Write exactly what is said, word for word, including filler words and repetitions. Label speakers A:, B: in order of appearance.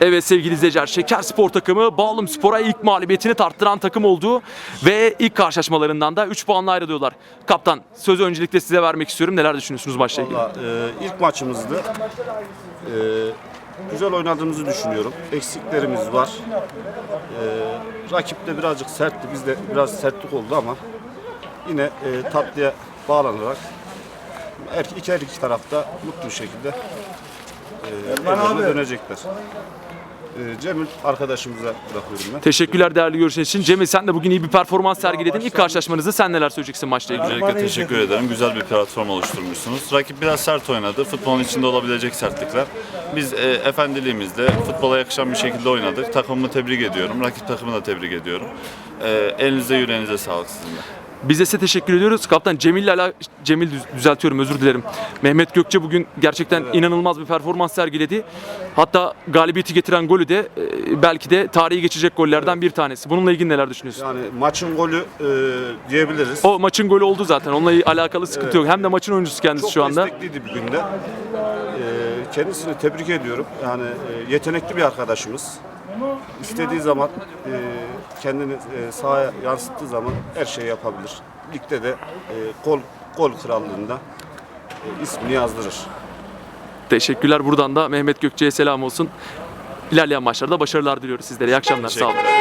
A: Evet sevgili izleyiciler, Şekerspor takımı Bağlumspor'a ilk mağlubiyetini tarttıran takım oldu ve ilk karşılaşmalarından da üç puanla ayrılıyorlar. Kaptan, sözü öncelikle size vermek istiyorum. Neler düşünüyorsunuz maçla ilgili?
B: Valla e, ilk maçımızdı. E, güzel oynadığımızı düşünüyorum. Eksiklerimiz var. E, rakip de birazcık sertti. Bizde biraz sertlik oldu ama yine e, tatlıya bağlanarak her iki, her iki tarafta mutlu bir şekilde e, evlerine dönecekler. E, Cemil arkadaşımıza bırakıyorum ben.
A: Teşekkürler değerli görüşleriniz için. Cemil, sen de bugün iyi bir performans sergiledin. İlk karşılaşmanızda sen neler söyleyeceksin maçla ilgili?
C: Öncelikle teşekkür ederim. Güzel bir platform oluşturmuşsunuz. Rakip biraz sert oynadı. Futbolun içinde olabilecek sertlikler. Biz e, efendiliğimizle futbola yakışan bir şekilde oynadık. Takımımı tebrik ediyorum. Rakip takımı da tebrik ediyorum. E, elinize yüreğinize sağlık sizin de.
A: Biz de size teşekkür ediyoruz. Kaptan Cemil'le ala Cemil düz- düzeltiyorum, özür dilerim. Mehmet Gökçe bugün gerçekten inanılmaz bir performans sergiledi. Hatta galibiyeti getiren golü de e, belki de tarihi geçecek gollerden bir tanesi. Bununla ilgili neler düşünüyorsun?
B: Yani maçın golü e, diyebiliriz.
A: O maçın golü oldu zaten. Onunla alakalı sıkıntı yok. Hem de maçın oyuncusu kendisi
B: Çok
A: şu anda.
B: destekliydi bir günde. Ee, kendisini tebrik ediyorum. Yani e, yetenekli bir arkadaşımız. İstediği zaman e, kendini e, sahaya yansıttığı zaman her şeyi yapabilir. Ligde de e, gol gol krallığında e, ismini yazdırır.
A: Teşekkürler. Buradan da Mehmet Gökçe'ye selam olsun. İlerleyen maçlarda başarılar diliyoruz sizlere. İyi akşamlar. Sağ olun.